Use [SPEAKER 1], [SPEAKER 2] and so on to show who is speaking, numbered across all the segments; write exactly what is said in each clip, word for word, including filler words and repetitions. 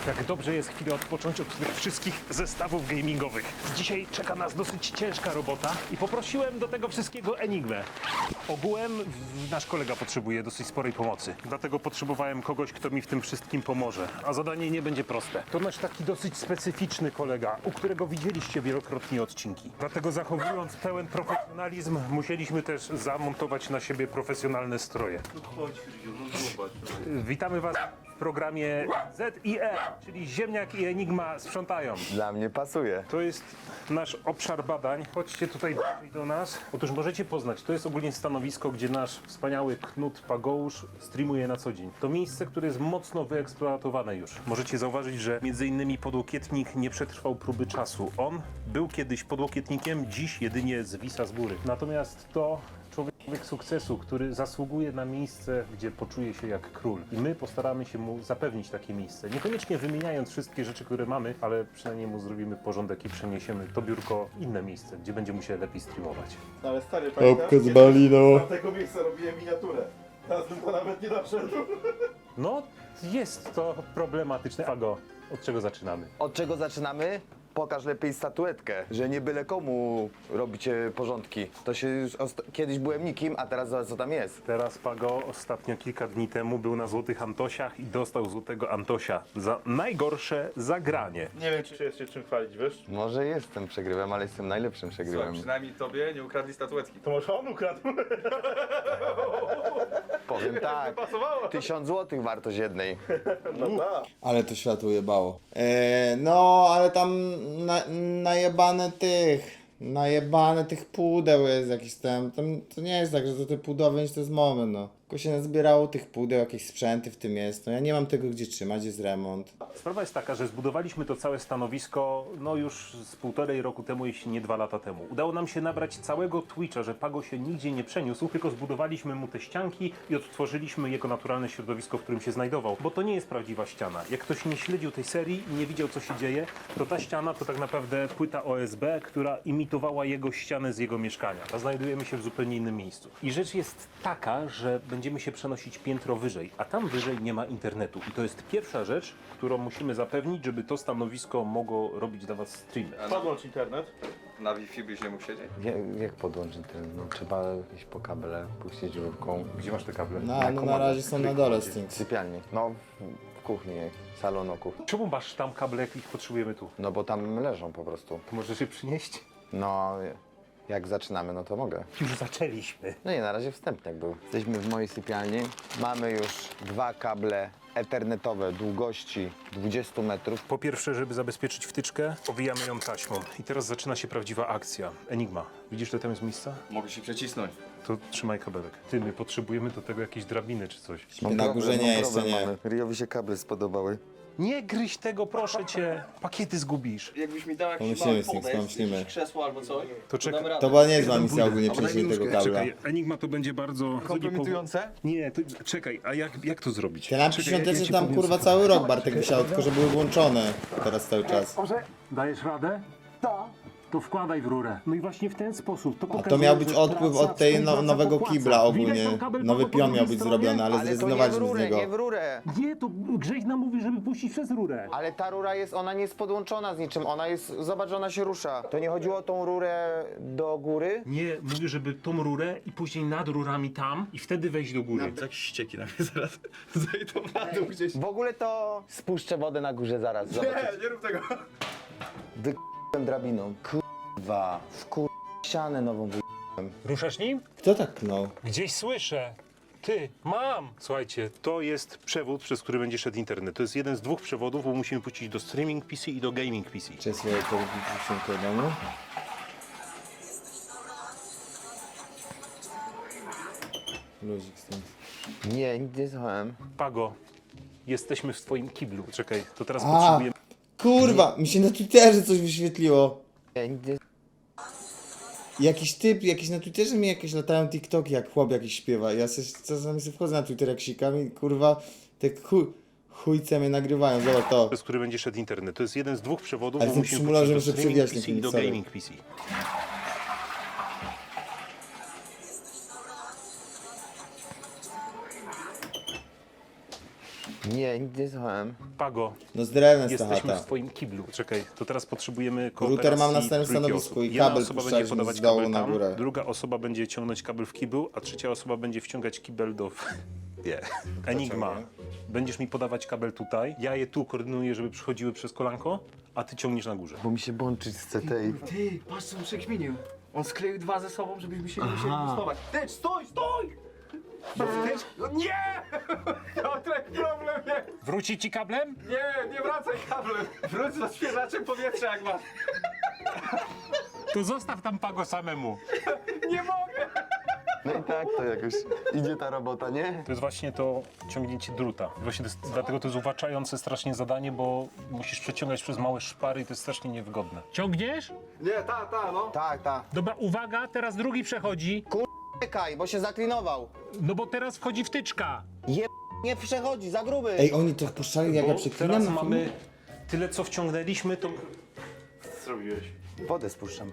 [SPEAKER 1] Jak dobrze jest chwilę odpocząć od tych wszystkich zestawów gamingowych. Dzisiaj czeka nas dosyć ciężka robota i poprosiłem do tego wszystkiego Enigmę. Ogółem w- nasz kolega potrzebuje dosyć sporej pomocy. Dlatego potrzebowałem kogoś, kto mi w tym wszystkim pomoże. A zadanie nie będzie proste. To nasz taki dosyć specyficzny kolega, u którego widzieliście wielokrotnie odcinki. Dlatego zachowując pełen profesjonalizm, musieliśmy też zamontować na siebie profesjonalne stroje. Witamy Was w programie Z I E, czyli Ziemniak i Enigma sprzątają.
[SPEAKER 2] Dla mnie pasuje.
[SPEAKER 1] To jest nasz obszar badań. Chodźcie tutaj do nas. Otóż możecie poznać, to jest ogólnie stanowisko, gdzie nasz wspaniały Knut Pagousz streamuje na co dzień. To miejsce, które jest mocno wyeksploatowane już. Możecie zauważyć, że między innymi podłokietnik nie przetrwał próby czasu. On był kiedyś podłokietnikiem, dziś jedynie zwisa z góry. Natomiast to człowiek sukcesu, który zasługuje na miejsce, gdzie poczuje się jak król. I my postaramy się mu zapewnić takie miejsce. Niekoniecznie wymieniając wszystkie rzeczy, które mamy, ale przynajmniej mu zrobimy porządek i przeniesiemy to biurko w inne miejsce, gdzie będzie mu się lepiej streamować.
[SPEAKER 3] No ale stary, pamiętasz?
[SPEAKER 2] z balino.
[SPEAKER 3] Z tego miejsca robiłem miniaturę. Teraz bym to nawet nie doszedł.
[SPEAKER 1] No, jest to problematyczne. Pago, od czego zaczynamy?
[SPEAKER 2] Od czego zaczynamy? Pokaż lepiej statuetkę, że nie byle komu robicie porządki. To się już osta- kiedyś byłem nikim, a teraz zobacz co tam jest.
[SPEAKER 1] Teraz Pago ostatnio kilka dni temu był na Złotych Antosiach i dostał Złotego Antosia za najgorsze zagranie.
[SPEAKER 3] Nie wiem, czy jest się czym chwalić, wiesz?
[SPEAKER 2] Może jestem przegrywem, ale jestem najlepszym
[SPEAKER 4] Co,
[SPEAKER 2] przegrywem.
[SPEAKER 4] przynajmniej tobie nie ukradli statuetki.
[SPEAKER 3] To może on ukradł.
[SPEAKER 2] Powiem tak,
[SPEAKER 3] Pasowało.
[SPEAKER 2] tysiąc złotych wartość jednej.
[SPEAKER 3] No tak.
[SPEAKER 5] Ale to światło jebało. Eee, no, ale tam na, najebane tych, najebane tych pudeł jest jakiś tam, tam, to nie jest tak, że to te pudełki to jest moment, no. Tylko się nazbierało tych pudeł, jakieś sprzęty w tym jest, no ja nie mam tego gdzie trzymać, jest remont.
[SPEAKER 1] Sprawa jest taka, że zbudowaliśmy to całe stanowisko no już z półtorej roku temu, jeśli nie dwa lata temu. Udało nam się nabrać całego Twitcha, że Pago się nigdzie nie przeniósł, tylko zbudowaliśmy mu te ścianki i odtworzyliśmy jego naturalne środowisko, w którym się znajdował. Bo to nie jest prawdziwa ściana. Jak ktoś nie śledził tej serii i nie widział, co się dzieje, to ta ściana to tak naprawdę płyta O S B, która imitowała jego ścianę z jego mieszkania. A znajdujemy się w zupełnie innym miejscu. I rzecz jest taka, że będziemy się przenosić piętro wyżej, a tam wyżej nie ma internetu. I to jest pierwsza rzecz, którą musimy zapewnić, żeby to stanowisko mogło robić dla Was streamy.
[SPEAKER 3] Podłącz internet.
[SPEAKER 4] Na Wi-Fi byś nie mógł siedzieć?
[SPEAKER 2] Jak, jak podłączyć ten? No, trzeba iść po kable, puścić rurką.
[SPEAKER 1] Gdzie masz te kable?
[SPEAKER 5] No, no na razie są na dole z tym.
[SPEAKER 2] W sypialni. No, w, w kuchni, salonoku.
[SPEAKER 1] Czemu masz tam kable, jak ich potrzebujemy tu?
[SPEAKER 2] No bo tam leżą po prostu.
[SPEAKER 1] To możesz je przynieść?
[SPEAKER 2] No, jak zaczynamy, no to mogę.
[SPEAKER 1] Już zaczęliśmy.
[SPEAKER 2] No nie, na razie wstępniak był. Jesteśmy w mojej sypialni. Mamy już dwa kable ethernetowe długości dwadzieścia metrów.
[SPEAKER 1] Po pierwsze, żeby zabezpieczyć wtyczkę, owijamy ją taśmą. I teraz zaczyna się prawdziwa akcja. Enigma. Widzisz, że tam jest miejsca?
[SPEAKER 4] Mogę się przecisnąć.
[SPEAKER 1] To trzymaj kabelek. Ty, my potrzebujemy do tego jakieś drabiny czy coś.
[SPEAKER 5] Na górze nie, jeszcze nie.
[SPEAKER 2] Riowi się kable spodobały.
[SPEAKER 1] Nie gryź tego, proszę cię. Pakiety zgubisz.
[SPEAKER 6] Jakbyś mi dał jakiś
[SPEAKER 5] Pomyślimy
[SPEAKER 6] mały
[SPEAKER 5] z tym,
[SPEAKER 6] podest,
[SPEAKER 5] pomyślimy.
[SPEAKER 6] jakieś krzesło albo coś,
[SPEAKER 1] To czekaj.
[SPEAKER 6] damy radę.
[SPEAKER 5] To była niezła misja ogólnie przejście tego kabla.
[SPEAKER 1] Czekaj, Enigma to będzie bardzo...
[SPEAKER 4] Kompromitujące?
[SPEAKER 1] Nie, to, czekaj, a jak, jak to zrobić?
[SPEAKER 5] Te lampy
[SPEAKER 1] Czekaj, ja- ja
[SPEAKER 5] świąteczne
[SPEAKER 1] ci
[SPEAKER 5] tam
[SPEAKER 1] powiem,
[SPEAKER 5] kurwa
[SPEAKER 1] co-
[SPEAKER 5] cały rok Bartek wisiało, tylko że były włączone teraz cały czas.
[SPEAKER 1] Dajesz radę? Tak. To wkładaj w rurę. No i właśnie w ten sposób. To
[SPEAKER 5] A to
[SPEAKER 1] pokazuje,
[SPEAKER 5] miał być
[SPEAKER 1] że
[SPEAKER 5] odpływ
[SPEAKER 1] praca,
[SPEAKER 5] od tej no,
[SPEAKER 1] współpraca
[SPEAKER 5] nowego
[SPEAKER 1] popłaca.
[SPEAKER 5] kibla
[SPEAKER 1] Widać
[SPEAKER 5] ogólnie.
[SPEAKER 1] tam kabel
[SPEAKER 5] Nowy
[SPEAKER 1] po
[SPEAKER 5] pion miał
[SPEAKER 1] drugiej
[SPEAKER 5] być
[SPEAKER 1] stronie?
[SPEAKER 5] zrobiony, ale
[SPEAKER 2] Ale to nie w
[SPEAKER 5] zrezygnowaliśmy z
[SPEAKER 2] rurę,
[SPEAKER 5] niego.
[SPEAKER 2] nie w rurę.
[SPEAKER 1] Nie, to Grześ nam mówi, żeby puścić przez rurę.
[SPEAKER 2] Ale ta rura jest, ona nie jest podłączona z niczym, ona jest, zobacz, że ona się rusza. To nie chodziło o tą rurę do góry?
[SPEAKER 1] Nie, mówię, żeby tą rurę i później nad rurami tam i wtedy wejść do góry.
[SPEAKER 4] Tak ścieki na mnie zaraz zejdą na dół gdzieś.
[SPEAKER 2] W ogóle to spuszczę wodę na górze zaraz, zobaczysz.
[SPEAKER 4] Nie, nie rób tego.
[SPEAKER 2] Wy***łem drabiną. Kurwa, wkur... ścianę nową wy...
[SPEAKER 1] Ruszasz nim?
[SPEAKER 5] Kto tak knął?
[SPEAKER 1] Gdzieś słyszę. Ty, mam! Słuchajcie, to jest przewód, przez który będzie szedł internet. To jest jeden z dwóch przewodów, bo musimy puścić do streaming P C i do gaming P C.
[SPEAKER 5] Czy swoje to do domu? Luzik z tym.
[SPEAKER 2] Nie, nic nie słuchałem.
[SPEAKER 1] Pago, jesteśmy w twoim kiblu. Czekaj, to teraz
[SPEAKER 5] A,
[SPEAKER 1] potrzebujemy...
[SPEAKER 5] kurwa, mi się na Twitterze coś wyświetliło.
[SPEAKER 2] Nie, nic nie...
[SPEAKER 5] Jakiś typ, jakiś na Twitterze mi jakieś latają TikToki, jak chłop jakiś śpiewa. Ja sobie czasami sobie wchodzę na Twitter jak sikam i kurwa, te chuj, chujce mnie nagrywają, zobacz to.
[SPEAKER 1] przez który będzie szedł internet. To jest jeden z dwóch przewodów,
[SPEAKER 5] Ale
[SPEAKER 1] bo
[SPEAKER 5] tym
[SPEAKER 1] musimy
[SPEAKER 5] symulatorem
[SPEAKER 1] puścić do
[SPEAKER 5] muszę
[SPEAKER 1] streaming
[SPEAKER 5] przewijać
[SPEAKER 1] P C i do
[SPEAKER 5] sorry.
[SPEAKER 1] gaming P C.
[SPEAKER 2] Nie, nic nie słuchałem.
[SPEAKER 1] Pago,
[SPEAKER 5] No z drewnem jest ta
[SPEAKER 1] jesteśmy w
[SPEAKER 5] chata.
[SPEAKER 1] twoim kiblu. Czekaj, to teraz potrzebujemy kooperacji
[SPEAKER 5] Router mam na następnym
[SPEAKER 1] trójki
[SPEAKER 5] stanowisku
[SPEAKER 1] osób.
[SPEAKER 5] i
[SPEAKER 1] Jedna
[SPEAKER 5] kabel
[SPEAKER 1] osoba będzie
[SPEAKER 5] puszczaliśmy
[SPEAKER 1] podawać
[SPEAKER 5] z dołu
[SPEAKER 1] kabel
[SPEAKER 5] na
[SPEAKER 1] tam,
[SPEAKER 5] górę.
[SPEAKER 1] druga osoba będzie ciągnąć kabel w kiblu, a trzecia osoba będzie wciągać kibel do... Nie. Enigma. Będziesz mi podawać kabel tutaj, ja je tu koordynuję, żeby przychodziły przez kolanko, a ty ciągniesz na górze.
[SPEAKER 2] Bo mi się bączyć z C T I.
[SPEAKER 6] Ty, patrz co on przekminił. On skleił dwa ze sobą, żebyśmy się nie musieli bustować. Ty, stój, stój! Ty, no nie! Piotrek, problem jest!
[SPEAKER 1] Wróci ci kablem?
[SPEAKER 6] Nie, nie wracaj kablem! Wróć z odświeżaczem powietrza jak masz.
[SPEAKER 1] To zostaw tam Pago samemu.
[SPEAKER 6] Nie mogę!
[SPEAKER 2] No i tak to jakoś idzie ta robota, nie?
[SPEAKER 1] To jest właśnie to ciągnięcie druta. Właśnie to jest, dlatego to jest uwłaczające strasznie zadanie, bo musisz przeciągać przez małe szpary i to jest strasznie niewygodne. Ciągniesz?
[SPEAKER 6] Nie, ta, ta, no.
[SPEAKER 2] Tak, tak.
[SPEAKER 1] Dobra, uwaga, teraz drugi przechodzi.
[SPEAKER 2] Czekaj, bo się zaklinował.
[SPEAKER 1] No bo teraz wchodzi wtyczka.
[SPEAKER 2] Je... nie przechodzi, za gruby.
[SPEAKER 5] Ej, oni to puszczali jak ja
[SPEAKER 1] Bo
[SPEAKER 5] przeklinam
[SPEAKER 1] teraz
[SPEAKER 5] na
[SPEAKER 1] mamy
[SPEAKER 5] filmie?
[SPEAKER 1] tyle, co wciągnęliśmy, to...
[SPEAKER 3] Co zrobiłeś?
[SPEAKER 2] Wodę spuszczam.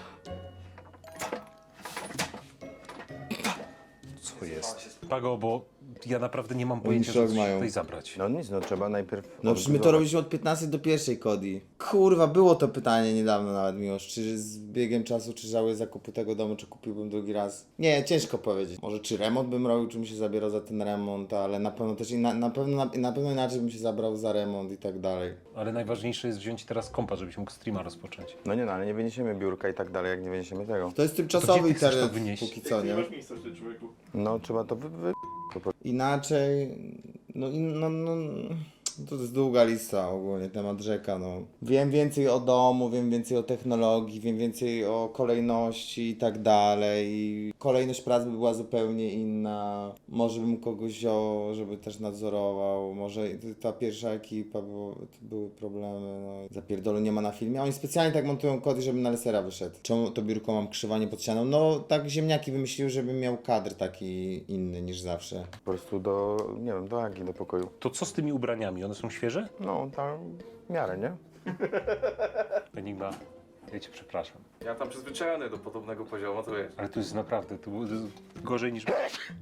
[SPEAKER 1] Co jest? Pago, bo ja naprawdę nie mam pojęcia,
[SPEAKER 5] szok
[SPEAKER 1] co
[SPEAKER 5] mają.
[SPEAKER 1] tutaj zabrać.
[SPEAKER 2] No nic, no trzeba najpierw...
[SPEAKER 5] No przecież my to robiliśmy od piętnastej do pierwszej Kodi. Kurwa, było to pytanie niedawno nawet, Miłosz. Czy z biegiem czasu, czy żałuję zakupu tego domu, czy kupiłbym drugi raz? Nie, ciężko powiedzieć. Może czy remont bym robił, czy bym się zabierał za ten remont, ale na pewno też, inna, na, pewno, na, na pewno inaczej bym się zabrał za remont i tak dalej.
[SPEAKER 1] Ale najważniejsze jest wziąć teraz kompa, żebyś mógł streama rozpocząć.
[SPEAKER 2] No nie no, ale nie wyniesiemy biurka i tak dalej, jak nie wyniesiemy tego.
[SPEAKER 5] To jest
[SPEAKER 1] To
[SPEAKER 5] tymczasowy
[SPEAKER 1] gdzie ty chcesz to
[SPEAKER 5] internet,
[SPEAKER 1] wynieść?
[SPEAKER 5] póki co, nie?
[SPEAKER 3] Nie masz miejsca w tym człowieku.
[SPEAKER 2] No trzeba to wy... wy...
[SPEAKER 5] Inaczej, no, i- no, no, to jest długa lista ogólnie, temat rzeka, no. Wiem więcej o domu, wiem więcej o technologii, wiem więcej o kolejności i tak dalej. I kolejność prac by była zupełnie inna. Może bym kogoś wziął, żeby też nadzorował, może ta pierwsza ekipa, bo to były problemy, no. Zapierdolu nie ma na filmie. Oni specjalnie tak montują kody, żeby na lesera wyszedł. Czemu to biurko mam krzywanie pod ścianą? No tak ziemniaki wymyśliły, żebym miał kadr taki inny niż zawsze.
[SPEAKER 2] Po prostu do, nie wiem, do Agi, do pokoju.
[SPEAKER 1] To co z tymi ubraniami? One są świeże?
[SPEAKER 2] No, tam w miarę, nie?
[SPEAKER 1] Enigma, ja cię przepraszam.
[SPEAKER 4] Ja tam przyzwyczajony do podobnego poziomu, to wiesz.
[SPEAKER 1] Ale to jest naprawdę, to było to jest gorzej niż...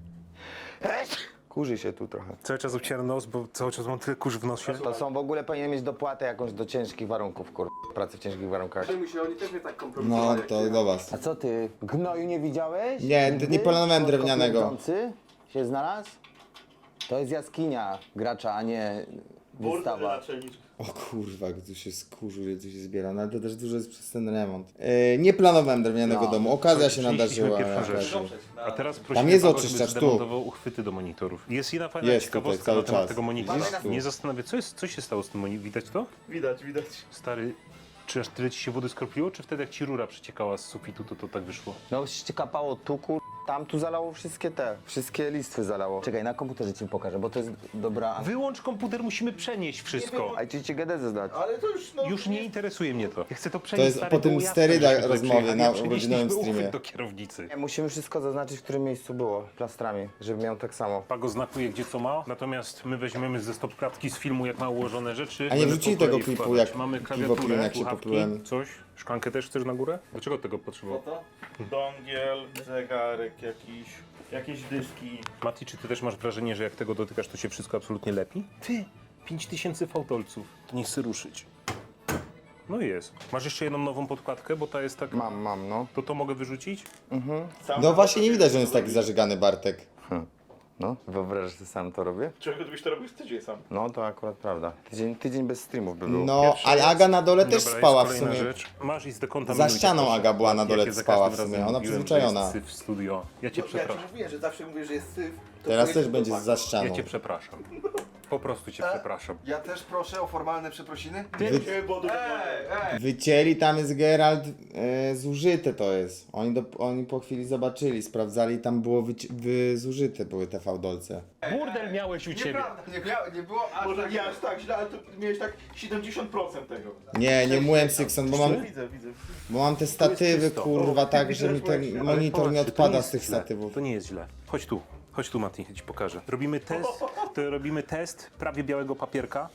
[SPEAKER 2] Kurzy się tu trochę.
[SPEAKER 1] Cały czas obcieram nos, bo cały czas mam tyle kurz w nosie.
[SPEAKER 2] To są w ogóle powinien mieć dopłatę jakąś do ciężkich warunków, kur... pracy w ciężkich warunkach.
[SPEAKER 4] Przejmuj się, oni też mnie tak
[SPEAKER 5] No
[SPEAKER 4] kompromitowali.
[SPEAKER 5] to do was.
[SPEAKER 2] A co ty, gnoju nie widziałeś?
[SPEAKER 5] Nie,
[SPEAKER 2] Nigdy?
[SPEAKER 5] nie planowałem drewnianego.
[SPEAKER 2] Słodko-pierdzący się znalazł? To jest jaskinia gracza, a nie wystawa.
[SPEAKER 3] Naczelniczka.
[SPEAKER 5] O kurwa, jak tu się skurzył, jak tu się zbiera, no ale to też dużo jest przez ten remont. Yy, nie planowałem drewnianego
[SPEAKER 2] No.
[SPEAKER 5] domu, okazja się
[SPEAKER 1] Przenieśliśmy
[SPEAKER 5] nadarzyła.
[SPEAKER 1] pierwszą
[SPEAKER 5] jakaś.
[SPEAKER 1] rzecz. A teraz prosimy
[SPEAKER 5] jest
[SPEAKER 1] Pago,
[SPEAKER 5] oczyszczacz,
[SPEAKER 1] żeby
[SPEAKER 5] tu.
[SPEAKER 1] zdemontował uchwyty do monitorów. Jest jedna fajna
[SPEAKER 5] Jest
[SPEAKER 1] ciekawostka
[SPEAKER 5] tutaj,
[SPEAKER 1] na
[SPEAKER 5] cały
[SPEAKER 1] temat
[SPEAKER 5] czas.
[SPEAKER 1] tego monitora.
[SPEAKER 5] Widzisz tu?
[SPEAKER 1] Nie zastanawia, co, jest, co się stało z tym monitorem? Widać to?
[SPEAKER 3] Widać, widać.
[SPEAKER 1] Stary, czy aż tyle ci się wody skropiło, czy wtedy jak ci rura przeciekała z sufitu, to to tak wyszło?
[SPEAKER 2] No się kapało tu, kur... tam tu zalało wszystkie te, wszystkie listwy zalało. Czekaj, na komputerze ci pokażę, bo to jest dobra...
[SPEAKER 1] Wyłącz komputer, musimy przenieść wszystko.
[SPEAKER 2] A ci ci geodezę zdać.
[SPEAKER 3] Ale to już, no...
[SPEAKER 1] Już nie interesuje mnie to. Ja chcę to
[SPEAKER 5] To
[SPEAKER 1] przenieść.
[SPEAKER 5] jest
[SPEAKER 1] stary,
[SPEAKER 5] po tym
[SPEAKER 1] było jasne,
[SPEAKER 5] sterydach
[SPEAKER 1] żeśmy tutaj
[SPEAKER 5] rozmowie
[SPEAKER 1] przyjechali,
[SPEAKER 5] na
[SPEAKER 1] a przenieśliśmy
[SPEAKER 5] godzinowym
[SPEAKER 1] uchwyt
[SPEAKER 5] streamie.
[SPEAKER 1] do kierownicy.
[SPEAKER 2] Musimy wszystko zaznaczyć, w którym miejscu było, plastrami, żeby miał tak samo.
[SPEAKER 1] Pago znakuje gdzie co ma, natomiast my weźmiemy ze stop klatki z filmu jak ma ułożone rzeczy.
[SPEAKER 5] A nie
[SPEAKER 1] Będę
[SPEAKER 5] wrzucili
[SPEAKER 1] po kolei
[SPEAKER 5] tego klipu,
[SPEAKER 1] wkładać.
[SPEAKER 5] jak
[SPEAKER 1] Mamy
[SPEAKER 5] piwo
[SPEAKER 1] klawiaturę,
[SPEAKER 5] piłem, jak się
[SPEAKER 1] słuchawki,
[SPEAKER 5] poplułem.
[SPEAKER 1] coś. Szklankę też chcesz na górę? Dlaczego tego potrzebował?
[SPEAKER 3] Dongiel, zegarek jakiś, jakieś dyski.
[SPEAKER 1] Mati, czy ty też masz wrażenie, że jak tego dotykasz, to się wszystko absolutnie lepi? Ty, pięć tysięcy fałdolców. To nie chcę ruszyć. No i jest. Masz jeszcze jedną nową podkładkę, bo ta jest tak...
[SPEAKER 2] Mam, mam, no.
[SPEAKER 1] To to mogę wyrzucić?
[SPEAKER 3] Sam
[SPEAKER 5] No właśnie nie widać, że on jest taki zażygany Bartek.
[SPEAKER 2] No, wyobrażasz, że sam to robię?
[SPEAKER 3] Czego gdybyś to robił z tydzień sam?
[SPEAKER 2] No to akurat prawda. Tydzień, tydzień bez streamów by był.
[SPEAKER 5] No,
[SPEAKER 1] Pierwszy
[SPEAKER 5] ale
[SPEAKER 1] jest-
[SPEAKER 5] Aga na dole też
[SPEAKER 1] Dobra,
[SPEAKER 5] spała w
[SPEAKER 1] jest kolejna
[SPEAKER 5] sumie.
[SPEAKER 1] rzecz. Masz i zdekontaminujcie,
[SPEAKER 5] Za ścianą
[SPEAKER 1] proszę.
[SPEAKER 5] Aga była na dole,
[SPEAKER 1] Jak ja za
[SPEAKER 5] spała
[SPEAKER 1] każdym
[SPEAKER 5] w sumie.
[SPEAKER 1] razem
[SPEAKER 5] Ona
[SPEAKER 1] mówiłem,
[SPEAKER 5] przyzwyczajona.
[SPEAKER 1] że jest syf w studio. Ja cię
[SPEAKER 3] No, ja
[SPEAKER 1] przepraszam.
[SPEAKER 3] ci mówię, że zawsze mówię, że jest syf. to
[SPEAKER 5] Teraz
[SPEAKER 3] pojedzie
[SPEAKER 5] też będzie
[SPEAKER 3] do
[SPEAKER 5] za
[SPEAKER 3] paku.
[SPEAKER 5] ścianą.
[SPEAKER 1] Ja cię przepraszam. Po prostu cię przepraszam.
[SPEAKER 6] Ja też proszę o formalne przeprosiny.
[SPEAKER 3] Nie, bo do
[SPEAKER 5] Wycięli, tam jest Geralt, e, zużyte to jest. Oni, do, oni po chwili zobaczyli, sprawdzali, tam było wyci- wy, zużyte były te fałdolce.
[SPEAKER 1] Burdel miałeś u ciebie.
[SPEAKER 6] Nieprawda, nie, miało, nie było aż
[SPEAKER 3] Może
[SPEAKER 6] tak.
[SPEAKER 3] nie aż tak źle, ale to miałeś tak siedemdziesiąt procent tego.
[SPEAKER 5] Nie, nie mówiłem Sykson, bo mam,
[SPEAKER 3] Widzę, widzę.
[SPEAKER 5] bo mam te statywy,
[SPEAKER 1] czysto.
[SPEAKER 5] kurwa,
[SPEAKER 3] O,
[SPEAKER 5] tak,
[SPEAKER 3] widzę,
[SPEAKER 5] że mi
[SPEAKER 3] że byłeś-
[SPEAKER 5] ten
[SPEAKER 3] ale
[SPEAKER 5] monitor nie
[SPEAKER 1] Popatrzcie, to
[SPEAKER 5] odpada
[SPEAKER 1] jest
[SPEAKER 5] z tych
[SPEAKER 1] źle.
[SPEAKER 5] statywów.
[SPEAKER 1] To nie jest źle. Chodź tu. Chodź tu, Mati, ja ci pokażę. Robimy test, to robimy test prawie białego papierka.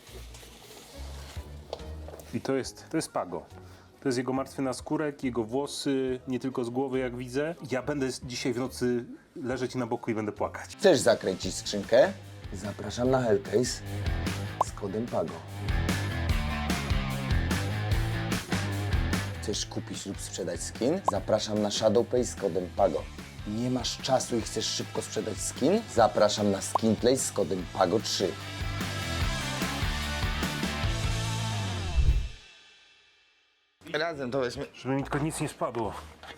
[SPEAKER 1] I to jest, to jest Pago. To jest jego martwy naskórek, jego włosy, nie tylko z głowy, jak widzę. Ja będę dzisiaj w nocy leżeć na boku i będę płakać.
[SPEAKER 2] Chcesz zakręcić skrzynkę? Zapraszam na Hellcase z kodem PAGO. Chcesz kupić lub sprzedać skin? Zapraszam na ShadowPay z kodem PAGO. Nie masz czasu i chcesz szybko sprzedać skin? Zapraszam na SkinPlay z kodem PAGO trzy. Razem to weźmy.
[SPEAKER 1] Żeby mi tylko nic nie spadło.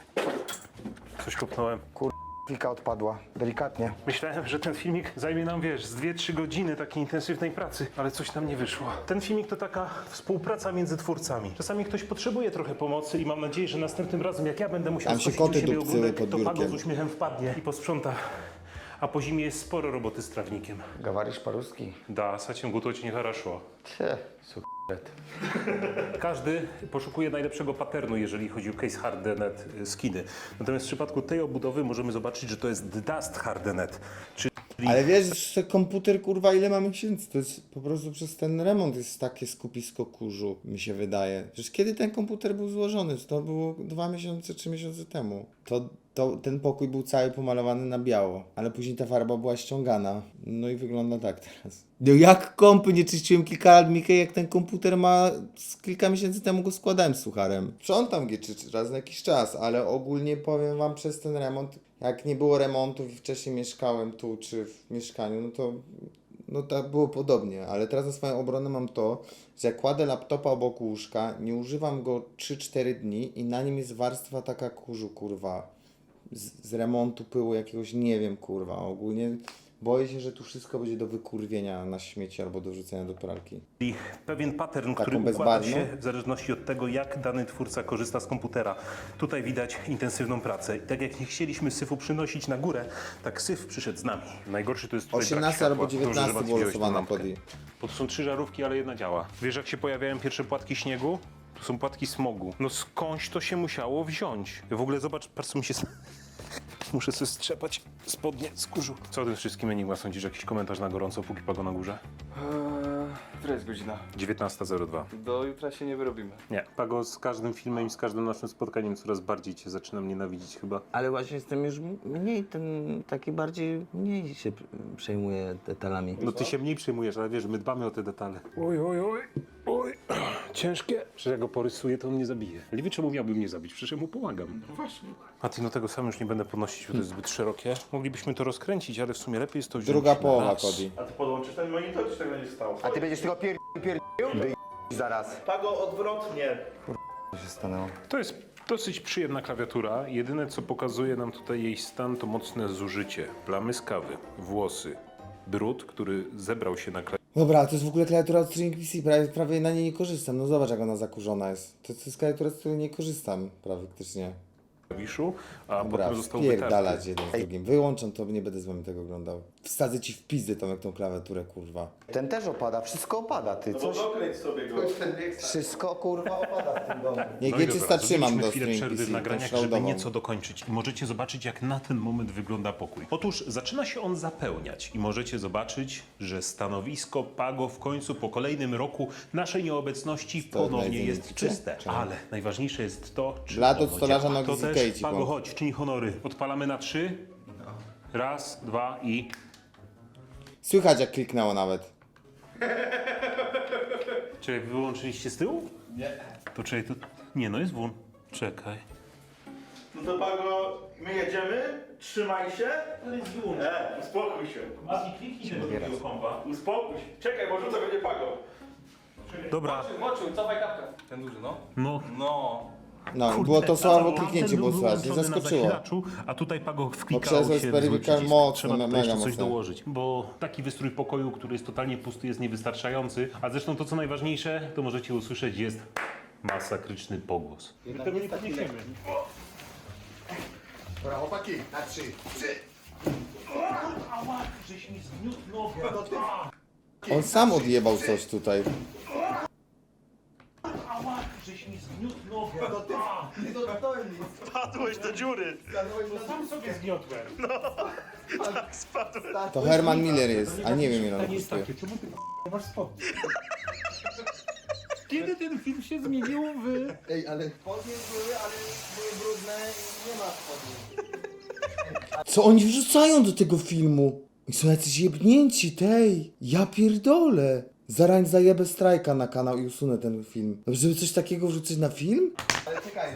[SPEAKER 1] Coś kopnąłem.
[SPEAKER 2] Plika odpadła, delikatnie.
[SPEAKER 1] Myślałem, że ten filmik zajmie nam, wiesz, z dwie trzy godziny takiej intensywnej pracy, ale coś nam nie wyszło. Ten filmik to taka współpraca między twórcami. Czasami ktoś potrzebuje trochę pomocy i mam nadzieję, że następnym razem, jak ja będę musiał
[SPEAKER 5] Tam się
[SPEAKER 1] skosić u
[SPEAKER 5] koty
[SPEAKER 1] siebie
[SPEAKER 5] dupcyły
[SPEAKER 1] ogródek,
[SPEAKER 5] pod
[SPEAKER 1] to Pago
[SPEAKER 5] biurkiem.
[SPEAKER 1] z uśmiechem wpadnie i posprząta. A po zimie jest sporo roboty z trawnikiem.
[SPEAKER 2] Gawarisz paruski.
[SPEAKER 1] Da, с этим готовить nie хорошо.
[SPEAKER 2] Cie, sukret.
[SPEAKER 1] Każdy poszukuje najlepszego paternu, jeżeli chodzi o case hardenet y, skiny. Natomiast w przypadku tej obudowy możemy zobaczyć, że to jest dust hardenet, czyli
[SPEAKER 5] Ale wiesz, że komputer, kurwa, ile ma miesięcy? To jest po prostu przez ten remont jest takie skupisko kurzu, mi się wydaje. Przecież kiedy ten komputer był złożony? To było dwa miesiące, trzy miesiące temu. To, to ten pokój był cały pomalowany na biało, ale później ta farba była ściągana. No i wygląda tak teraz. No jak kompy nie czyściłem kilka lat, Mickey, jak ten komputer ma... Z kilka miesięcy temu go składałem z sucharem. Sprzątam go czy, czy raz na jakiś czas, ale ogólnie powiem wam przez ten remont, jak nie było remontów i wcześniej mieszkałem tu czy w mieszkaniu, no to no tak było podobnie, ale teraz na swoją obronę mam to, że jak kładę laptopa obok łóżka, nie używam go trzy cztery dni i na nim jest warstwa taka kurzu, kurwa, z, z remontu pyłu jakiegoś, nie wiem, kurwa, ogólnie boję się, że tu wszystko będzie do wykurwienia na śmieci albo do wrzucenia do pralki.
[SPEAKER 1] pewien pattern,
[SPEAKER 5] Taką
[SPEAKER 1] który układa
[SPEAKER 5] bezbarwną?
[SPEAKER 1] się w zależności od tego, jak dany twórca korzysta z komputera. Tutaj widać intensywną pracę. I tak jak nie chcieliśmy syfu przynosić na górę, tak syf przyszedł z nami. Najgorszy to jest tutaj brak
[SPEAKER 5] osiemnasty albo
[SPEAKER 1] światła. Dobrze, że
[SPEAKER 5] dziewiętnasty
[SPEAKER 1] Maciej
[SPEAKER 5] było
[SPEAKER 1] wziąłeś tą
[SPEAKER 5] losowane
[SPEAKER 1] lampkę.
[SPEAKER 5] pod i.
[SPEAKER 1] Bo to są trzy żarówki, ale jedna działa. Wiesz, jak się pojawiają pierwsze płatki śniegu? To są płatki smogu. No skądś to się musiało wziąć. W ogóle zobacz, patrz co mi się... Muszę sobie strzepać spodnie z kurzu. Co o tym wszystkim Enigma sądzisz? Jakiś komentarz na gorąco, póki Pago na górze?
[SPEAKER 4] Eee, która jest godzina?
[SPEAKER 1] dziewiętnasta zero dwa.
[SPEAKER 4] Do jutra się nie wyrobimy.
[SPEAKER 1] Nie, Pago, z każdym filmem i z każdym naszym spotkaniem coraz bardziej cię zaczynam nienawidzić chyba.
[SPEAKER 7] Ale właśnie jestem już mniej ten, taki bardziej, mniej się przejmuję detalami.
[SPEAKER 1] No ty się mniej przejmujesz, ale wiesz, my dbamy o te detale. Oj, oj, oj, oj, ciężkie. Przecież jak go porysuję, to on mnie zabije. Liwy, czemu miałby mnie zabić? Przecież ja mu pomagam. No właśnie. A ty, no tego sam już nie będę podnosić, bo to jest zbyt szerokie. Moglibyśmy to rozkręcić, ale w sumie lepiej jest to wziąć
[SPEAKER 5] Druga
[SPEAKER 1] na
[SPEAKER 5] połowa,
[SPEAKER 1] raz.
[SPEAKER 5] Cody.
[SPEAKER 3] A ty podłączysz ten monitor, czy tego nie stało?
[SPEAKER 2] A ty będziesz tylko pier... pier... Wy... zaraz.
[SPEAKER 3] Pago odwrotnie.
[SPEAKER 2] Co się stanęło?
[SPEAKER 1] To jest dosyć przyjemna klawiatura. Jedyne, co pokazuje nam tutaj jej stan, to mocne zużycie. Plamy z kawy, włosy, brud, który zebrał się na klawiaturze.
[SPEAKER 5] Dobra, to jest w ogóle klawiatura od String P C, prawie, prawie na niej nie korzystam. No zobacz, jak ona zakurzona jest. To, to jest klawiatura, z której nie korzystam praktycznie.
[SPEAKER 1] klawiszu, a
[SPEAKER 5] Dobra,
[SPEAKER 1] potem został
[SPEAKER 5] wpierdalać
[SPEAKER 1] wytarty.
[SPEAKER 5] jeden z drugim. Wyłączam to, nie będę z wami tego oglądał. Wsadzę ci w pizdę tą, jak tą klawiaturę, kurwa.
[SPEAKER 2] Ten też opada, wszystko opada, ty,
[SPEAKER 3] No
[SPEAKER 2] coś?
[SPEAKER 3] dokręć sobie go.
[SPEAKER 2] Wszystko, kurwa, opada w tym domu.
[SPEAKER 5] Niech
[SPEAKER 1] No
[SPEAKER 5] G
[SPEAKER 1] i dobra,
[SPEAKER 5] trzysta trzymam
[SPEAKER 1] zrobiliśmy
[SPEAKER 5] do
[SPEAKER 1] chwilę
[SPEAKER 5] String
[SPEAKER 1] przerwy
[SPEAKER 5] P
[SPEAKER 1] w
[SPEAKER 5] C,
[SPEAKER 1] nagraniach,
[SPEAKER 5] tą
[SPEAKER 1] żeby
[SPEAKER 5] shroudową.
[SPEAKER 1] nieco dokończyć. I możecie zobaczyć, jak na ten moment wygląda pokój. Otóż zaczyna się on zapełniać i możecie zobaczyć, że stanowisko Pago w końcu po kolejnym roku naszej nieobecności ponownie
[SPEAKER 5] znajdziemy
[SPEAKER 1] jest
[SPEAKER 5] ci,
[SPEAKER 1] czyste.
[SPEAKER 5] czy-
[SPEAKER 1] Ale najważniejsze jest to, czy
[SPEAKER 5] Blat od
[SPEAKER 1] ono
[SPEAKER 5] stolarza
[SPEAKER 1] działa.
[SPEAKER 5] na
[SPEAKER 1] To
[SPEAKER 5] Gizzy
[SPEAKER 1] też,
[SPEAKER 5] Cage,
[SPEAKER 1] Pago,
[SPEAKER 5] bo-
[SPEAKER 1] chodź, czyń honory. Odpalamy na trzy. Raz, dwa i...
[SPEAKER 5] Słychać, jak kliknęło nawet.
[SPEAKER 1] Czekaj, wy wyłączyliście z tyłu? Nie. To czekaj, to... Nie, no jest włącz. Czekaj.
[SPEAKER 3] No to Pago, my jedziemy, trzymaj się. E, uspokój się.
[SPEAKER 1] Mati, kliknij się do drugiego kompa.
[SPEAKER 3] Uspokój się. Czekaj, bo rzucę będzie Pago.
[SPEAKER 1] Dobra.
[SPEAKER 4] Włączył, cofaj kapkę. Ten duży, no.
[SPEAKER 1] No,
[SPEAKER 4] No.
[SPEAKER 5] No,
[SPEAKER 1] Kurde,
[SPEAKER 5] było to słabo
[SPEAKER 1] tamten
[SPEAKER 5] kliknięcie,
[SPEAKER 1] był
[SPEAKER 5] było słychać, nie
[SPEAKER 1] wyłączony na
[SPEAKER 5] zaskoczyło.
[SPEAKER 1] zasilaczu, a tutaj Pago wklikało
[SPEAKER 5] krzesło
[SPEAKER 1] się
[SPEAKER 5] jest
[SPEAKER 1] w zły
[SPEAKER 5] periwical
[SPEAKER 1] przycisk.
[SPEAKER 5] mocne,
[SPEAKER 1] Trzeba tutaj
[SPEAKER 5] mega
[SPEAKER 1] jeszcze coś
[SPEAKER 5] mocne.
[SPEAKER 1] dołożyć, bo taki wystrój pokoju, który jest totalnie pusty, jest niewystarczający, a zresztą to, co najważniejsze, to możecie usłyszeć, jest masakryczny pogłos. My tego nie podniesiemy.
[SPEAKER 2] Dobra, chłopaki, na trzy.
[SPEAKER 1] Ała, żeś mi zgniótł nogę.
[SPEAKER 5] On sam odjebał coś tutaj.
[SPEAKER 1] Ała, żeś mi zgniótł nogę.
[SPEAKER 3] Padłeś do dziury.
[SPEAKER 1] Sam sobie zgniotłem.
[SPEAKER 5] To Herman Miller jest, a nie wiem ile on
[SPEAKER 1] Pytanie jest
[SPEAKER 5] kosztuje.
[SPEAKER 1] takie, czemu ty k***a, masz spodnie? Kiedy ten film się zmienił w...
[SPEAKER 2] Ej, ale spodnie były, ale były brudne i nie ma spodni.
[SPEAKER 5] Co oni wrzucają do tego filmu? I są jacyś jebnięci, tej. Ja pierdolę. Zarań zajebę strajka na kanał i usunę ten film. Dobrze, żeby coś takiego wrzucić na film?
[SPEAKER 2] Ale czekaj.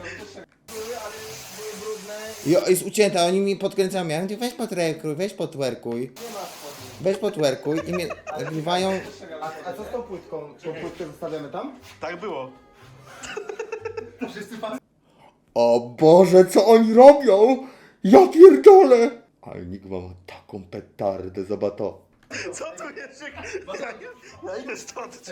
[SPEAKER 5] Jo, jest ucięte, oni mi podkręcają. Ja mówię, weź potwerkuj, weź potwerkuj. Weź potwerkuj i mnie nagrywają.
[SPEAKER 2] A, a co z tą płytką? Tą płytkę zostawiamy tam?
[SPEAKER 3] Tak było.
[SPEAKER 5] O Boże, co oni robią? Ja pierdolę! Ale Enigma ma taką petardę, zobacz to.
[SPEAKER 3] Co tu jest? Ja, ja idę stąd.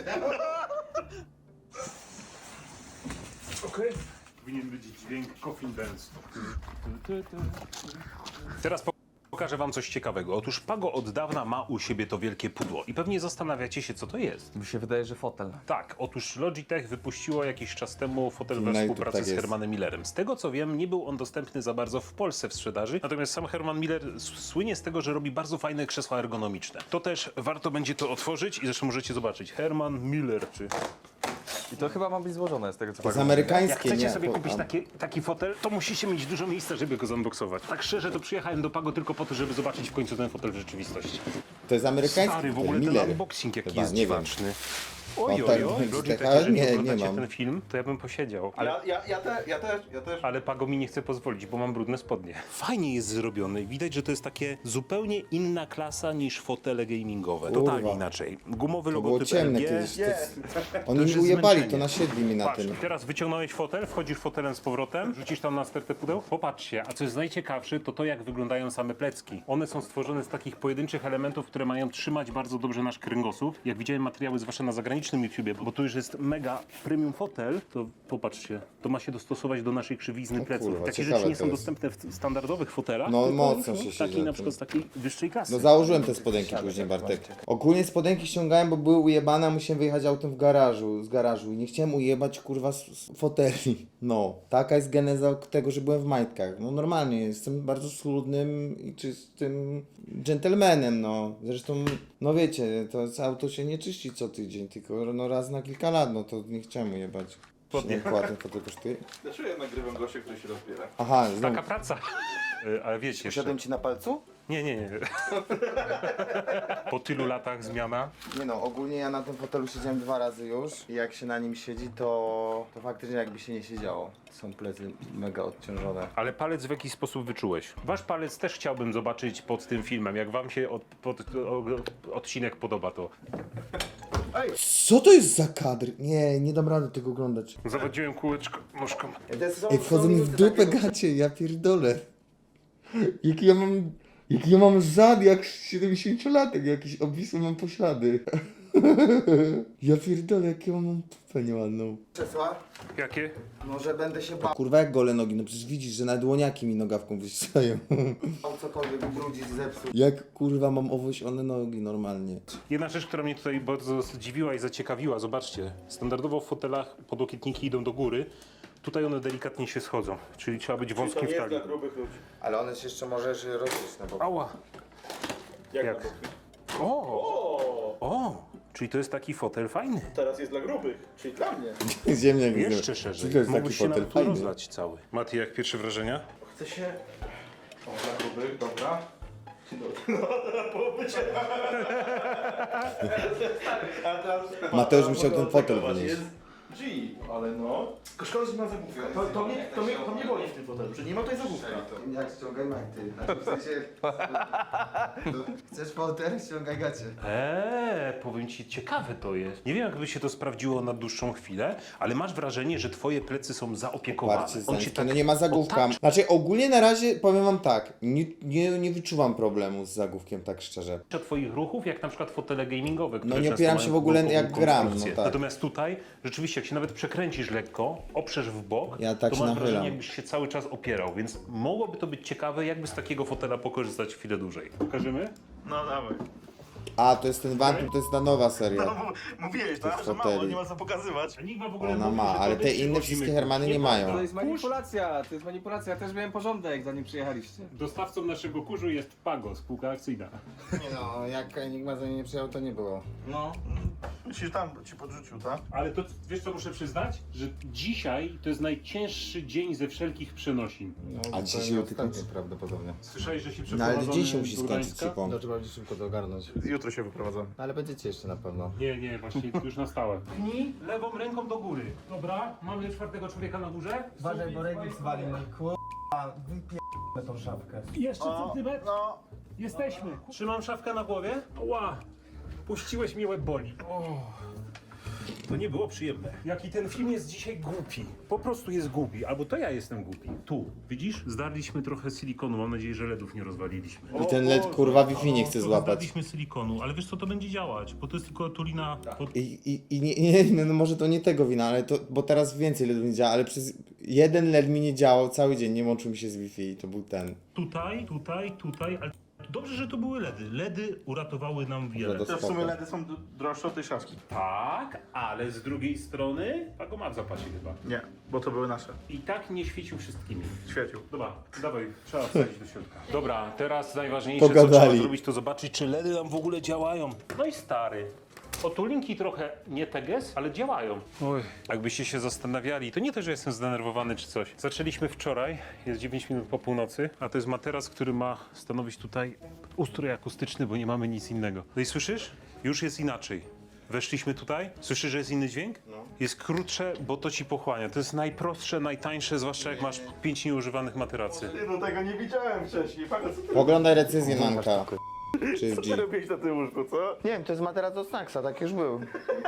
[SPEAKER 1] Okej. Powinien być dźwięk Coffin Dance. Teraz po- pokażę wam coś ciekawego. Otóż Pago od dawna ma u siebie to wielkie pudło i pewnie zastanawiacie się, co to jest.
[SPEAKER 4] Mi się wydaje, że fotel.
[SPEAKER 1] Tak, otóż Logitech wypuściło jakiś czas temu fotel
[SPEAKER 5] Na
[SPEAKER 1] we
[SPEAKER 5] YouTube
[SPEAKER 1] współpracy
[SPEAKER 5] tak
[SPEAKER 1] z
[SPEAKER 5] jest.
[SPEAKER 1] Hermanem Millerem. Z tego co wiem, nie był on dostępny za bardzo w Polsce w sprzedaży, natomiast sam Herman Miller s- słynie z tego, że robi bardzo fajne krzesła ergonomiczne. To też warto będzie to otworzyć i zresztą możecie zobaczyć. Herman Miller, czy...
[SPEAKER 4] I to chyba ma być złożone z tego co
[SPEAKER 5] To jest
[SPEAKER 4] pamiętam.
[SPEAKER 1] Jak
[SPEAKER 5] amerykańskie,
[SPEAKER 1] chcecie
[SPEAKER 5] nie?
[SPEAKER 1] sobie
[SPEAKER 5] to-
[SPEAKER 1] kupić
[SPEAKER 5] a-
[SPEAKER 1] taki, taki fotel, to musicie mieć dużo miejsca, żeby go zunboxować. Tak szczerze, to przyjechałem do Pago tylko po to, żeby zobaczyć w końcu ten fotel w rzeczywistości.
[SPEAKER 5] To jest amerykański,
[SPEAKER 1] Stary, w
[SPEAKER 5] to
[SPEAKER 1] ogóle ten
[SPEAKER 5] Miller.
[SPEAKER 1] unboxing jaki
[SPEAKER 5] Chyba,
[SPEAKER 1] jest
[SPEAKER 5] nie wiem.
[SPEAKER 1] dziwaczny. Oj,
[SPEAKER 5] O,
[SPEAKER 1] oj,
[SPEAKER 5] tak,
[SPEAKER 1] oj,
[SPEAKER 5] tak,
[SPEAKER 1] Logitech,
[SPEAKER 5] ale
[SPEAKER 1] jeżeli
[SPEAKER 5] nie, nie
[SPEAKER 1] oglądacie
[SPEAKER 5] mam.
[SPEAKER 1] ten film, to ja bym posiedział. Ale,
[SPEAKER 3] Ja, ja, ja, te, ja też, ja też.
[SPEAKER 1] ale Pago mi nie chce pozwolić, bo mam brudne spodnie. Fajnie jest zrobiony i widać, że to jest takie zupełnie inna klasa niż fotele gamingowe.
[SPEAKER 5] Kurwa.
[SPEAKER 1] Totalnie inaczej. Gumowy
[SPEAKER 5] To było
[SPEAKER 1] logotyp
[SPEAKER 5] ciemne
[SPEAKER 1] L G.
[SPEAKER 5] kiedyś. To, oni
[SPEAKER 1] już
[SPEAKER 5] mi
[SPEAKER 1] jest
[SPEAKER 5] ujebali,
[SPEAKER 1] zmęczenie.
[SPEAKER 5] to nasiedli mi na
[SPEAKER 1] Patrz,
[SPEAKER 5] tym.
[SPEAKER 1] teraz wyciągnąłeś fotel, wchodzisz fotelem z powrotem, rzucisz tam na stertę pudeł. Popatrzcie, a co jest najciekawsze, to to jak wyglądają same plecki. One są stworzone z takich pojedynczych elementów, które mają trzymać bardzo dobrze nasz kręgosłup. Jak widziałem materiały zwłaszcza na zagranicznym YouTubie, bo tu już jest mega premium fotel, to popatrzcie, to ma się dostosować do naszej krzywizny pleców.
[SPEAKER 5] kurwa,
[SPEAKER 1] Takie
[SPEAKER 5] ciekawe
[SPEAKER 1] rzeczy nie
[SPEAKER 5] to
[SPEAKER 1] są
[SPEAKER 5] jest.
[SPEAKER 1] dostępne w standardowych fotelach.
[SPEAKER 5] No,
[SPEAKER 1] tylko
[SPEAKER 5] mocno
[SPEAKER 1] już,
[SPEAKER 5] się
[SPEAKER 1] no,
[SPEAKER 5] siedzi
[SPEAKER 1] Takiej
[SPEAKER 5] na
[SPEAKER 1] na
[SPEAKER 5] tym.
[SPEAKER 1] przykład z takiej wyższej klasy.
[SPEAKER 5] No założyłem te spodenki później, Bartek. Ogólnie spodenki ściągałem, bo były ujebane, a musiałem wyjechać autem w garażu, z garażu i nie chciałem ujebać kurwa z, z foteli. No, taka jest geneza tego, że byłem w majtkach. No normalnie, jestem bardzo schludnym i czystym dżentelmenem, no. Zresztą, no wiecie, to auto się nie czyści co tydzień, tylko no raz na kilka lat, no to nie chciałem ujebać. Nie kładę, to kosztuje.
[SPEAKER 3] Dlaczego ja nagrywam gościa, który się rozbiera?
[SPEAKER 5] Aha, znowu.
[SPEAKER 1] Taka praca. Y, Ale wiecie jeszcze.
[SPEAKER 2] Siadłem ci na palcu?
[SPEAKER 1] Nie, nie, nie. Po tylu latach zmiana.
[SPEAKER 2] Nie no, ogólnie ja na tym fotelu siedziałem dwa razy już i jak się na nim siedzi, to, to faktycznie jakby się nie siedziało. Są plecy mega odciążone.
[SPEAKER 1] Ale palec w jakiś sposób wyczułeś? Wasz palec też chciałbym zobaczyć pod tym filmem. Jak wam się od, pod, o, odcinek podoba, to
[SPEAKER 5] Co to jest za kadr? Nie, nie dam rady tego oglądać.
[SPEAKER 1] zawodziłem kółeczko nóżką.
[SPEAKER 5] Ej, wchodzą mi w dupę gacie, ja pierdolę. Jaki ja mam... Jaki ja mam zad jak siedemdziesięciolatek, jakiś obwisły mam poślady. Ja pierdolę, jakie ja mam dupę nieładną.
[SPEAKER 2] Krzesła?
[SPEAKER 1] Jakie?
[SPEAKER 2] Może będę się bał,
[SPEAKER 5] Kurwa, jak gole nogi, no przecież widzisz, że na dłoniaki mi nogawką wyścigają.
[SPEAKER 2] cokolwiek ubrudzić, zepsuć.
[SPEAKER 5] Jak kurwa mam owłosione nogi normalnie.
[SPEAKER 1] Jedna rzecz, która mnie tutaj bardzo zdziwiła i zaciekawiła, zobaczcie. Standardowo w fotelach podłokietniki idą do góry. Tutaj one delikatnie się schodzą, czyli trzeba być
[SPEAKER 3] To
[SPEAKER 1] wąskim
[SPEAKER 3] nie
[SPEAKER 1] w
[SPEAKER 3] jest
[SPEAKER 1] talii.
[SPEAKER 3] dla grubych ludzi.
[SPEAKER 2] Ale one się jeszcze możesz rozbić na bok.
[SPEAKER 1] Ała!
[SPEAKER 3] Jak,
[SPEAKER 1] Jak?
[SPEAKER 3] na boku?
[SPEAKER 1] O!
[SPEAKER 3] O,
[SPEAKER 1] O! Czyli to jest taki fotel fajny.
[SPEAKER 3] teraz jest dla grubych, czyli dla mnie.
[SPEAKER 5] Ziemniak
[SPEAKER 1] Jeszcze szerzej.
[SPEAKER 5] To jest taki
[SPEAKER 1] Mógłbyś się
[SPEAKER 5] fotel
[SPEAKER 1] nawet tu
[SPEAKER 5] fajny.
[SPEAKER 1] rozlać cały. Mati, jak pierwsze wrażenia?
[SPEAKER 3] Chce się... O, dla grubych, dobra. No, połowy cię. A teraz...
[SPEAKER 5] Mateusz musiał ten fotel
[SPEAKER 3] Zobacz,
[SPEAKER 5] wynieść.
[SPEAKER 3] jest G, ale no... Tylko szkoda, że nie ma zagłówka. To, to, mnie, to, mnie, to mnie boli w tym fotelu, że nie ma tutaj zagłówka.
[SPEAKER 2] Jak ściągaj majty. Znaczy, w sensie... Chcesz fotel? Ściągaj gacie.
[SPEAKER 1] Eee, powiem ci, ciekawe to jest. Nie wiem, jakby się to sprawdziło na dłuższą chwilę, ale masz wrażenie, że twoje plecy są zaopiekowane.
[SPEAKER 5] Barcie
[SPEAKER 1] On się
[SPEAKER 5] Zańskie,
[SPEAKER 1] tak
[SPEAKER 5] no nie ma zagłówka.
[SPEAKER 1] otacza.
[SPEAKER 5] Znaczy ogólnie na razie powiem wam tak, nie, nie, nie wyczuwam problemu z zagłówkiem, tak szczerze.
[SPEAKER 1] Twoich ruchów, jak na przykład fotele gamingowe, które
[SPEAKER 5] No nie
[SPEAKER 1] często
[SPEAKER 5] opieram
[SPEAKER 1] mają
[SPEAKER 5] się w ogóle
[SPEAKER 1] głęboką
[SPEAKER 5] jak gram,
[SPEAKER 1] konstrukcję.
[SPEAKER 5] no tak.
[SPEAKER 1] Natomiast tutaj, rzeczywiście, jak się nawet przekręcisz lekko, oprzesz w bok,
[SPEAKER 5] Ja tak
[SPEAKER 1] to
[SPEAKER 5] się
[SPEAKER 1] masz
[SPEAKER 5] nachylam.
[SPEAKER 1] wrażenie, jakbyś się cały czas opierał, więc mogłoby to być ciekawe, jakby z takiego fotela pokorzystać chwilę dłużej. Pokażemy?
[SPEAKER 3] No dawaj.
[SPEAKER 5] A, to jest ten Vantum, to jest ta nowa seria.
[SPEAKER 3] No, mówiłeś, tak? Że mało,
[SPEAKER 5] foteli.
[SPEAKER 3] nie ma co pokazywać.
[SPEAKER 1] Enigma w ogóle
[SPEAKER 5] Ona
[SPEAKER 1] mówi,
[SPEAKER 5] ma,
[SPEAKER 1] że
[SPEAKER 5] ale
[SPEAKER 1] to
[SPEAKER 5] te
[SPEAKER 1] my
[SPEAKER 5] inne
[SPEAKER 1] przywozimy
[SPEAKER 5] wszystkie
[SPEAKER 1] kurz.
[SPEAKER 5] Hermany nie mają.
[SPEAKER 6] To jest manipulacja, to jest manipulacja. Ja też miałem porządek, zanim przyjechaliście.
[SPEAKER 1] Dostawcą naszego kurzu jest Pago, spółka akcyjna.
[SPEAKER 5] Nie no, jak Enigma za nie nie przyjechał, to nie było.
[SPEAKER 6] No.
[SPEAKER 3] Myślisz, tam ci podrzucił, tak?
[SPEAKER 1] Ale to wiesz co muszę przyznać? Że dzisiaj to jest najcięższy dzień ze wszelkich przenosin.
[SPEAKER 5] No, A dzisiaj się ostatni prawdopodobnie.
[SPEAKER 1] Słyszałeś, że się
[SPEAKER 5] No
[SPEAKER 1] przeprowadzamy
[SPEAKER 5] ale dziś się musi
[SPEAKER 1] do
[SPEAKER 5] skończyć,
[SPEAKER 1] Gdańska?
[SPEAKER 5] Cipą. No trzeba będzie szybko to ogarnąć.
[SPEAKER 3] Jutro się wyprowadzam.
[SPEAKER 5] Ale będziecie jeszcze na pewno.
[SPEAKER 1] Nie, nie, właśnie już na stałe. Pchnij lewą ręką do góry. Dobra, mamy czwartego człowieka na górze.
[SPEAKER 6] Uważaj, bo Regis wali, no kurwa, wypierdolę tą szafkę.
[SPEAKER 1] Jeszcze centymetr.
[SPEAKER 3] No,
[SPEAKER 1] Jesteśmy. Trzymam szafkę na głowie. Ła, puściłeś mi łeb boli. O. To nie było przyjemne. Jaki ten film jest dzisiaj głupi. Po prostu jest głupi. Albo to ja jestem głupi. Tu, widzisz? Zdarliśmy trochę silikonu. Mam nadzieję, że ledów nie rozwaliliśmy.
[SPEAKER 5] I ten led kurwa Wi-Fi nie chce złapać.
[SPEAKER 1] Zdarliśmy silikonu, ale wiesz co, to będzie działać, bo to jest tylko tulina pod...
[SPEAKER 5] I, i, i nie, nie, no może to nie tego wina, ale to, bo teraz więcej ledów nie działa, ale przez jeden led mi nie działał cały dzień, nie łączył mi się z Wi-Fi i to był ten.
[SPEAKER 1] Tutaj, tutaj, tutaj, ale dobrze, że to były ledy. Ledy uratowały nam wiele.
[SPEAKER 5] Do
[SPEAKER 3] to w
[SPEAKER 5] spoko.
[SPEAKER 3] sumie ledy są d- droższe od tej szafki.
[SPEAKER 1] Tak, ale z drugiej strony Pago ma w zapasie chyba.
[SPEAKER 3] Nie, bo to były nasze.
[SPEAKER 1] I tak nie świecił wszystkimi.
[SPEAKER 3] Świecił.
[SPEAKER 1] Dobra, dawaj, trzeba wsadzić do środka. Dobra, teraz najważniejsze, co
[SPEAKER 5] Pogadali.
[SPEAKER 1] trzeba zrobić, to zobaczyć, czy ledy nam w ogóle działają. No i stary. Otulinki trochę nie teges, ale działają. Oj, jakbyście się zastanawiali, to nie to, że jestem zdenerwowany czy coś. Zaczęliśmy wczoraj, jest dziewięć minut po północy, a to jest materac, który ma stanowić tutaj ustrój akustyczny, bo nie mamy nic innego. No i słyszysz? Już jest inaczej. Weszliśmy tutaj, słyszysz, że jest inny dźwięk? Jest krótsze, bo to ci pochłania. To jest najprostsze, najtańsze, zwłaszcza jak masz pięć nieużywanych materacy.
[SPEAKER 3] Ty, no tego nie widziałem wcześniej. Pago, co ty,
[SPEAKER 5] Oglądaj recenzję Manka. Czy
[SPEAKER 3] co
[SPEAKER 5] w
[SPEAKER 3] ty
[SPEAKER 5] G.
[SPEAKER 3] robiłeś na tym łóżku, co?
[SPEAKER 2] Nie wiem, to jest materac od Snacksa, tak już był.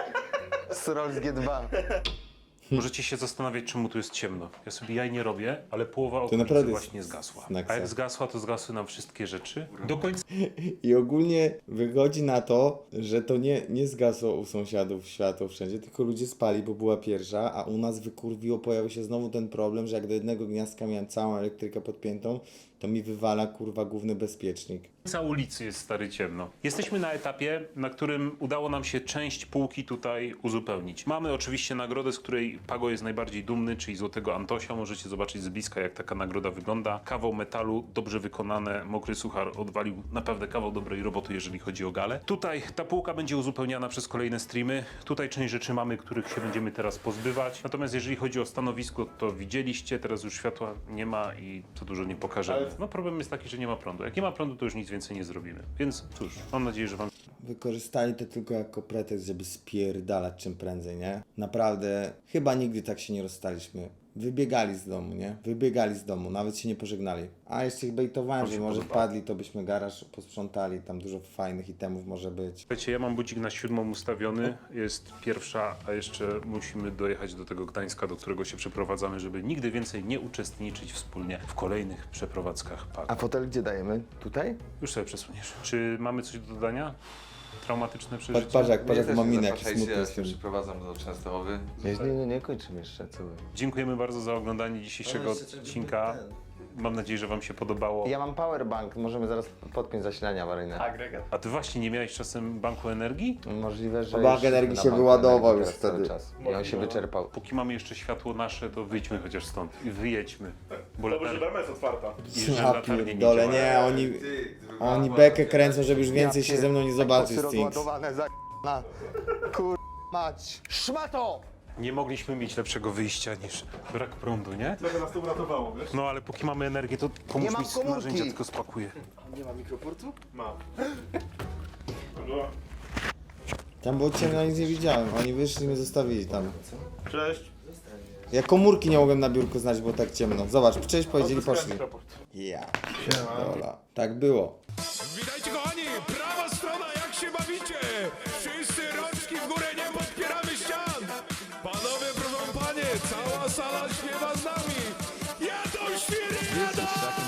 [SPEAKER 2] Z Rolls G dwa.
[SPEAKER 1] Możecie się zastanawiać, czemu tu jest ciemno. Ja sobie jaj nie robię, ale połowa okolicy
[SPEAKER 5] naprawdę jest
[SPEAKER 1] właśnie zgasła.
[SPEAKER 5] Snacksa.
[SPEAKER 1] A jak zgasła, to zgasły nam wszystkie rzeczy. Do końca
[SPEAKER 5] I ogólnie wychodzi na to, że to nie, nie zgasło u sąsiadów światło wszędzie, tylko ludzie spali, bo była pierwsza, a u nas wykurwiło, pojawił się znowu ten problem, że jak do jednego gniazdka miałem całą elektrykę podpiętą, to mi wywala kurwa główny bezpiecznik.
[SPEAKER 1] ulicy jest stary ciemno. Jesteśmy na etapie, na którym udało nam się część półki tutaj uzupełnić. Mamy oczywiście nagrodę, z której Pago jest najbardziej dumny, czyli Złotego Antosia. Możecie zobaczyć z bliska, jak taka nagroda wygląda. Kawał metalu, dobrze wykonane, mokry suchar odwalił naprawdę kawał dobrej roboty, jeżeli chodzi o galę. Tutaj ta półka będzie uzupełniana przez kolejne streamy. Tutaj część rzeczy mamy, których się będziemy teraz pozbywać. Natomiast jeżeli chodzi o stanowisko, to widzieliście, teraz już światła nie ma i co dużo nie pokażemy. No problem jest taki, że nie ma prądu. Jak nie ma prądu, to już nic więcej nie zrobimy. Więc cóż, mam nadzieję, że wam...
[SPEAKER 5] Wykorzystali to tylko jako pretekst, żeby spierdalać czym prędzej, nie? Naprawdę, chyba nigdy tak się nie rozstaliśmy. Wybiegali z domu, nie? Wybiegali z domu, nawet się nie pożegnali. A jeszcze ich bejtowałem, że może wpadli, to byśmy garaż posprzątali, tam dużo fajnych itemów może być.
[SPEAKER 1] Wiecie, ja mam budzik na siódmą ustawiony, jest pierwsza, a jeszcze musimy dojechać do tego Gdańska, do którego się przeprowadzamy, żeby nigdy więcej nie uczestniczyć wspólnie w kolejnych przeprowadzkach
[SPEAKER 2] A
[SPEAKER 1] Pago.
[SPEAKER 2] fotel gdzie dajemy? Tutaj?
[SPEAKER 1] Już sobie przesuniesz. Czy mamy coś do dodania? Traumatyczne
[SPEAKER 5] Patrz,
[SPEAKER 1] przeżycie?
[SPEAKER 5] patrz jak, patrz
[SPEAKER 4] Mnie
[SPEAKER 5] jak
[SPEAKER 4] też
[SPEAKER 5] ma
[SPEAKER 4] nie
[SPEAKER 5] minę, jaki
[SPEAKER 4] zapraszajcie,
[SPEAKER 5] smutny
[SPEAKER 4] ja się
[SPEAKER 5] jest.
[SPEAKER 4] przeprowadzam do Częstochowy.
[SPEAKER 2] Nie, nie, nie, nie kończymy jeszcze, co wy.
[SPEAKER 1] Dziękujemy bardzo za oglądanie dzisiejszego odcinka. Mam nadzieję, że wam się podobało.
[SPEAKER 2] Ja mam powerbank, możemy zaraz podpiąć zasilania awaryjne.
[SPEAKER 4] Agregat.
[SPEAKER 1] A ty właśnie nie miałeś czasem banku energii?
[SPEAKER 2] Możliwe, że
[SPEAKER 5] Bank
[SPEAKER 2] już
[SPEAKER 5] energii
[SPEAKER 2] na
[SPEAKER 5] się
[SPEAKER 2] banku
[SPEAKER 5] wyładował
[SPEAKER 2] energii
[SPEAKER 5] już
[SPEAKER 2] teraz cały
[SPEAKER 5] wtedy.
[SPEAKER 2] czas. I on się wyczerpał.
[SPEAKER 1] Póki mamy jeszcze światło nasze, to wyjdźmy chociaż stąd i wyjedźmy. Bo
[SPEAKER 3] Dobrze,
[SPEAKER 1] latar...
[SPEAKER 3] że brama jest otwarta.
[SPEAKER 1] i że
[SPEAKER 5] Ja
[SPEAKER 1] latarnie
[SPEAKER 5] pierdolę,
[SPEAKER 1] działają.
[SPEAKER 5] nie, oni, oni bekę kręcą, żeby już więcej się ze mną nie zobaczyć, Stinks.
[SPEAKER 2] rozładowane za na kur... mać. Szmato!
[SPEAKER 1] Nie mogliśmy mieć lepszego wyjścia niż brak prądu, nie?
[SPEAKER 3] Trochę nas to uratowało, wiesz?
[SPEAKER 1] No ale póki mamy energię, to pomóż
[SPEAKER 2] Nie mam
[SPEAKER 1] mi z
[SPEAKER 2] komórki.
[SPEAKER 1] narzędzia, tylko spakuję.
[SPEAKER 3] Mam.
[SPEAKER 5] Tam było ciemno, nic nie widziałem, oni wyszli i mnie zostawili tam.
[SPEAKER 3] Cześć.
[SPEAKER 5] Ja komórki nie mogłem na biurku znaleźć, było tak ciemno. Zobacz, przecież powiedzieli, poszli.
[SPEAKER 3] raport.
[SPEAKER 5] Ja pierdolę. Tak było.
[SPEAKER 8] Witajcie kochani, prawa strona, jak się bawicie? Wszyscy rączki w górę, nie podpieramy ścian. Panowie, proszę panie, cała sala śpiewa z nami. Jadą świry, jadą!